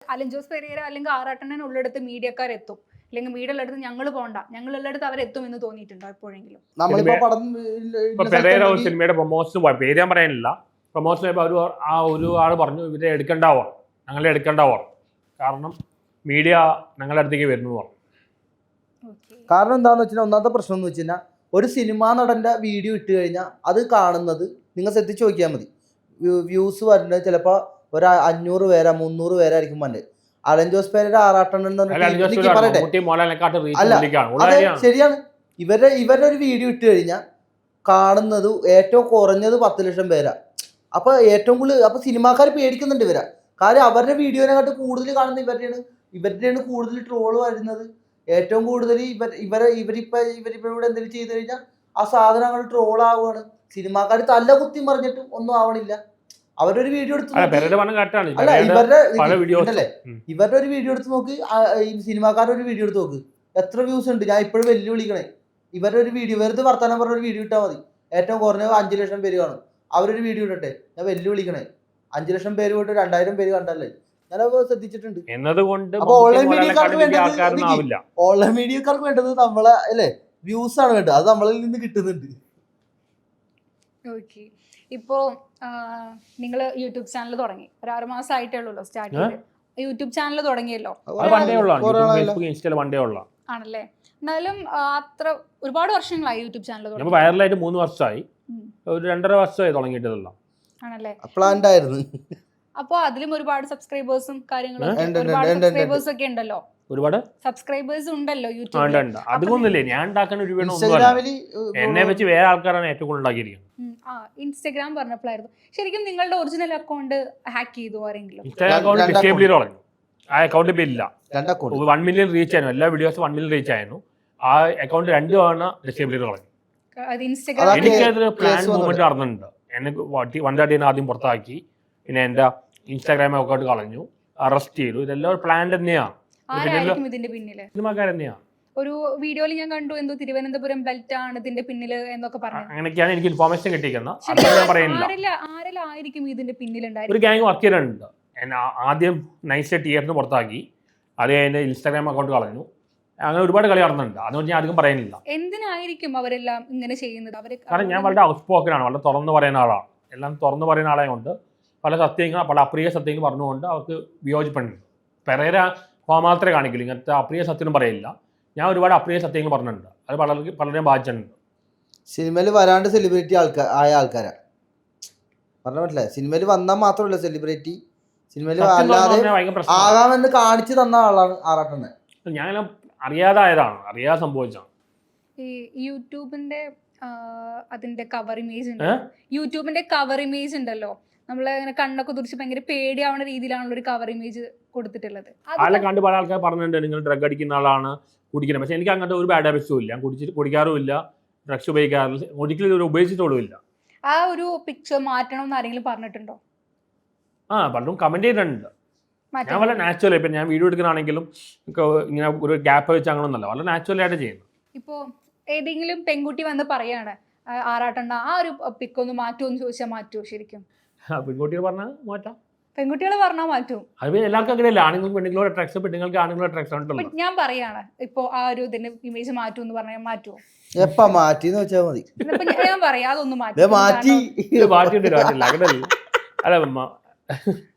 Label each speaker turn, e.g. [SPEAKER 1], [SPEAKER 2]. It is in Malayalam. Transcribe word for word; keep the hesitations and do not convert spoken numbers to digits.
[SPEAKER 1] അലൻ ജോസ് പെരേര അല്ലെങ്കിൽ ആറാട്ടണ്ണൻ ഉള്ളിടത്ത് മീഡിയക്കാരെത്തും, അല്ലെങ്കിൽ മീഡിയ ഉള്ളിടത്ത് ഞങ്ങൾ പോകണ്ട, ഞങ്ങൾ ഉള്ളിടത്ത് അവരെത്തും എന്ന് തോന്നിയിട്ടുണ്ടോ എപ്പോഴെങ്കിലും?
[SPEAKER 2] സിനിമയുടെ പ്രൊമോഷൻ പേര് ഞാൻ പറയാനില്ല, പ്രൊമോഷൻ ഒരു ആ ഒരു ആൾ പറഞ്ഞു ഇവരെ എടുക്കണ്ടാവോ, ഞങ്ങളെ എടുക്കണ്ടാവോ, കാരണം മീഡിയ ഞങ്ങളുടെ അടുത്തേക്ക് വരുന്നു പറഞ്ഞു.
[SPEAKER 3] കാരണം എന്താണെന്ന് വെച്ചാൽ ഒന്നാമത്തെ പ്രശ്നം എന്ന് വെച്ച് കഴിഞ്ഞാൽ ഒരു സിനിമാ നടൻ്റെ വീഡിയോ ഇട്ട് കഴിഞ്ഞാൽ അത് കാണുന്നത് നിങ്ങൾ ശ്രദ്ധിച്ച് നോക്കിയാൽ മതി, വ്യൂസ് വരുന്നത് ചിലപ്പോൾ ഒരു അഞ്ഞൂറ് പേരാ മുന്നൂറ് പേരായിരിക്കും വന്നത്. അലൻ ജോസ് പെരേര ആറാട്ടണ്ണൻ എന്ന് പറഞ്ഞിട്ട് പറയട്ടെ, അല്ല അതെ ശരിയാണ്, ഇവരുടെ ഇവരുടെ ഒരു വീഡിയോ ഇട്ട് കഴിഞ്ഞാൽ കാണുന്നത് ഏറ്റവും കുറഞ്ഞത് പത്ത് ലക്ഷം പേരാ. അപ്പൊ ഏറ്റവും കൂടുതൽ അപ്പൊ സിനിമാക്കാർ പേടിക്കുന്നുണ്ട് ഇവരാ, കാര്യം അവരുടെ വീഡിയോനെക്കാട്ട് കൂടുതൽ കാണുന്ന ഇവരുടെയാണ് ഇവരുടെയാണ് കൂടുതൽ ട്രോള് വരുന്നത്. ഏറ്റവും കൂടുതൽ ഇവർ ഇവരെ ഇവരിപ്പോ ഇവരിപ്പോ ഇവിടെ എന്തെങ്കിലും ചെയ്ത് കഴിഞ്ഞാൽ ആ സാധനങ്ങൾ ട്രോൾ ആവുകയാണ്. സിനിമാക്കാർ തല്ല കുത്തി മറിഞ്ഞിട്ടും ഒന്നും ആവണില്ല. അവരൊരു വീഡിയോ എടുത്ത് അല്ല ഇവരുടെ ഉണ്ടല്ലേ ഇവരുടെ ഒരു വീഡിയോ എടുത്ത് നോക്ക്, സിനിമാക്കാരുടെ ഒരു വീഡിയോ എടുത്ത് നോക്ക്, എത്ര വ്യൂസ് ഉണ്ട്. ഞാൻ ഇപ്പോഴും വെല്ലുവിളിക്കണേ, ഇവരുടെ ഒരു വീഡിയോ വെറുതെ വർത്താനം പറഞ്ഞ ഒരു വീഡിയോ ഇട്ടാൽ മതി, ഏറ്റവും കുറഞ്ഞ അഞ്ചു ലക്ഷം പേര് കാണും. അവരൊരു വീഡിയോ ഇടട്ടെ, ഞാൻ വെല്ലുവിളിക്കണേ, അഞ്ചു ലക്ഷം പേര് പോയിട്ട് രണ്ടായിരം പേര് കണ്ടല്ലേ, ഞാനപ്പോ ശ്രദ്ധിച്ചിട്ടുണ്ട്. അപ്പൊ ഓൺലൈൻ മീഡിയക്കാർക്ക് വേണ്ടത് ഓൺലൈൻ മീഡിയക്കാർക്ക് വേണ്ടത് നമ്മളെ അല്ലേ വ്യൂസ് ആണ് വേണ്ടത്, അത് നമ്മളിൽ നിന്ന് കിട്ടുന്നുണ്ട്.
[SPEAKER 1] ഓക്കെ, ഇപ്പോ നിങ്ങൾ യൂട്യൂബ് ചാനൽ തുടങ്ങി ഒരു ആറ് മാസം ആയിട്ടേ ഉള്ളൂ സ്റ്റാർട്ട് ചെയ്ത്. യൂട്യൂബ് ചാനൽ തുടങ്ങിയല്ലോ ആണല്ലേ? എന്നാലും അത്ര ഒരുപാട് വർഷങ്ങളായി യൂട്യൂബ് ചാനൽ തുടങ്ങി,
[SPEAKER 2] വൈറലായിട്ട് മൂന്ന് വർഷമായി, ഒരു രണ്ടര വർഷമായി തുടങ്ങിയിട്ടുള്ള
[SPEAKER 1] ആണല്ലേ?
[SPEAKER 3] പ്ലാൻഡ് ആയിരുന്നു.
[SPEAKER 1] അപ്പൊ അതിലും ഒരുപാട് സബ്സ്ക്രൈബേഴ്സും കാര്യങ്ങളും ഒരുപാട് സബ്സ്ക്രൈബേഴ്സ് ഒക്കെ ഉണ്ടല്ലോ,
[SPEAKER 2] ഒരുപാട്
[SPEAKER 1] സബ്സ്ക്രൈബേഴ്സ് ഉണ്ടല്ലോ യൂട്യൂബിൽ.
[SPEAKER 2] അതുകൊണ്ടല്ലേ ഞാൻ ഉണ്ടാക്കാൻ ഒരു എന്നെ വെച്ച് വേറെ ആൾക്കാരാണ് ഏറ്റവും കൂടുതൽ ഉണ്ടാക്കിയിരിക്കുന്നത്.
[SPEAKER 1] ആ ഇൻസ്റ്റാഗ്രാം പറഞ്ഞപ്പോഴായിരുന്നു ശരിക്കും നിങ്ങളുടെ ഒറിജിനൽ അക്കൗണ്ട് ഹാക്ക് ചെയ്തു ആരെങ്കിലും?
[SPEAKER 2] ഇൻസ്റ്റാഗ്രാം അക്കൗണ്ട് ഡിസേബിൾ ചെയ്ത് കളഞ്ഞു, ആ അക്കൗണ്ട് ഇപ്പൊ ഇല്ല. വൺ മില്യൺ റീച്ച് ആയിരുന്നു, എല്ലാ വീഡിയോസും വൺ മില്യൺ റീച്ച് ആയിരുന്നു, ആ അക്കൗണ്ട് രണ്ടു തവണ ഡിസേബിൾ ചെയ്ത് കളഞ്ഞു. എനിക്കതിൽ പ്ലാൻ മൂവ്മെന്റ് നടന്നിട്ടുണ്ട്. എന്നെ വൺ തേർട്ടീന് ആദ്യം പുറത്താക്കി, പിന്നെ എന്റെ ഇൻസ്റ്റാഗ്രാം അക്കൗണ്ട് കളഞ്ഞു, അറസ്റ്റ് ചെയ്തു. ഇതെല്ലാം ഒരു പ്ലാൻ തന്നെയാണ്,
[SPEAKER 1] ഇതിന്റെ പിന്നില്
[SPEAKER 2] സിനിമാക്കാർ തന്നെയാണ്.
[SPEAKER 1] ഒരു വീഡിയോയിൽ ഞാൻ കണ്ടു എന്തോ തിരുവനന്തപുരം ബെൽറ്റ് ആണ് ഇതിന്റെ പിന്നില് എന്നൊക്കെ പറഞ്ഞു.
[SPEAKER 2] അങ്ങനെയൊക്കെയാണ് എനിക്ക് ഇൻഫോർമേഷൻ കിട്ടിയിരിക്കുന്നത്.
[SPEAKER 1] ആരെല്ലായിരിക്കും ഇതിന്റെ പിന്നിലുണ്ടായി?
[SPEAKER 2] ഒരു ഗ്യാങ് വർക്ക് ചെയ്തിട്ടുണ്ട്. എന്നെ ആദ്യം നൈസ് ടിയറിന് പുറത്താക്കി, അത് കഴിഞ്ഞ് ഇൻസ്റ്റാഗ്രാം അക്കൗണ്ട് കളഞ്ഞു, അങ്ങനെ ഒരുപാട് കളി നടന്നുണ്ട്. അതുകൊണ്ട് ഞാൻ അധികം പറയുന്നില്ല
[SPEAKER 1] എന്തിനായിരിക്കും അവരെല്ലാം ഇങ്ങനെ ചെയ്യുന്നത്. അവര്
[SPEAKER 2] കാരണം ഞാൻ വളരെ ഔട്ട് സ്പോക്കനാണ്, വളരെ തുറന്നു പറയുന്ന ആളാണ്. എല്ലാം തുറന്നു പറയുന്ന ആളെ കൊണ്ട് പല സത്യങ്ങൾ പല അപ്രിയ സത്യങ്ങൾ പറഞ്ഞുകൊണ്ട് അവർക്ക് വിയോജിപ്പുണ്ട്. പെരേര മാത്രമേ കാണിക്കില്ല, ഇങ്ങനത്തെ അപ്രിയ സത്യം പറയില്ല. ഞാൻ ഒരുപാട് അപ്രിയ സത്യങ്ങൾ പറഞ്ഞിട്ടുണ്ട്, അത് പലർക്കും പലരെയും ബാധിച്ചിട്ടുണ്ട്.
[SPEAKER 3] സിനിമയിൽ വരാണ്ട് സെലിബ്രിറ്റി ആൾക്കാർ ആയ ആൾക്കാരാ പറഞ്ഞ പറ്റില്ല. സിനിമയിൽ വന്നാൽ മാത്രമല്ല സെലിബ്രിറ്റി, സിനിമയിൽ അല്ലാതെ ആകാമെന്ന് കാണിച്ചു തന്ന ആളാണ് ആറാട്ടണ്ണൻ.
[SPEAKER 2] ഞാൻ അറിയാതായതാണ്, അറിയാതെ സംഭവിച്ചാണ്.
[SPEAKER 1] ഈ യൂട്യൂബിന്റെ അതിന്റെ കവർ ഇമേജ് ഉണ്ട്, യൂട്യൂബിന്റെ കവർ ഇമേജ് ഉണ്ടല്ലോ, നമ്മളെ അങ്ങനെ കണ്ണൊക്കെ തുറിച്ച് ഭയങ്കര പേടിയാവുന്ന രീതിയിലാണല്ലോ ഒരു കവർ ഇമേജ് കൊടുത്തിട്ടുള്ളത്.
[SPEAKER 2] അതെല്ലാം കണ്ട് പല ആൾക്കാർ പറഞ്ഞിട്ടുണ്ട് നിങ്ങൾ ഡ്രഗ് അടിക്കുന്ന ആളാണ്, കുടിക്കുന്നത്. പക്ഷെ എനിക്ക് അങ്ങനത്തെ ഒരു ബാഡ് ഹാബിറ്റ്സും ഇല്ല, കുടിച്ചിട്ട് കുടിക്കാറുമില്ല, ഡ്രഗ്സ് ഉപയോഗിക്കാറില്ല, ഒരിക്കലും ഒരു ഉപയോഗിച്ചിട്ടുള്ളൂ ഇല്ല.
[SPEAKER 1] ആ ഒരു പിക്ചർ മാറ്റണം എന്ന് ആരെങ്കിലും പറഞ്ഞിട്ടുണ്ടോ?
[SPEAKER 2] ആ പലരും കമന്റ് ചെയ്തിട്ടുണ്ട്. ഞാൻ വളരെ നാച്ചുറൽ, ഇപ്പം ഞാൻ വീഡിയോ എടുക്കുന്നതാണെങ്കിലും ഇങ്ങനെ ഒരു ഗ്യാപ്പ് വെച്ച് അങ്ങനൊന്നല്ല, വളരെ നാച്ചുറൽ ആയിട്ട് ചെയ്യുന്നു.
[SPEAKER 1] ഇപ്പോൾ ഏതെങ്കിലും പെൺകുട്ടി വന്ന് പറയാണ് ആറാട്ടണ്ണ ആ ഒരു പിക്കൊന്ന് മാറ്റുമെന്ന് ചോദിച്ചാൽ മാറ്റുമോ? ശരിക്കും
[SPEAKER 2] പെൺകുട്ടികൾ പറഞ്ഞാൽ മാറ്റാം,
[SPEAKER 1] പെൺകുട്ടികൾ പറഞ്ഞാൽ മാറ്റും.
[SPEAKER 2] അത് എല്ലാവർക്കും അങ്ങനെയല്ല, ആണുങ്ങൾക്ക് പെണ്ണുങ്ങളോട് അട്രാക്ഷൻ, പെണ്ണുങ്ങൾക്ക് ആണുങ്ങളോട് അട്രാക്ഷൻ ഉണ്ടല്ലോ.
[SPEAKER 1] ഞാൻ പറയാണ് ഇപ്പൊ ആ ഒരു ഇതിന്റെ ഇമേജ് മാറ്റും എന്ന് പറഞ്ഞാൽ മാറ്റുമോ?
[SPEAKER 3] എപ്പാ മാറ്റിന്ന് വെച്ചാൽ മതി.
[SPEAKER 1] ഞാൻ പറയാം അതൊന്നും മാറ്റി
[SPEAKER 3] മാറ്റി
[SPEAKER 2] മാറ്റിയിട്ട് അങ്ങനെയല്ല. അല്ല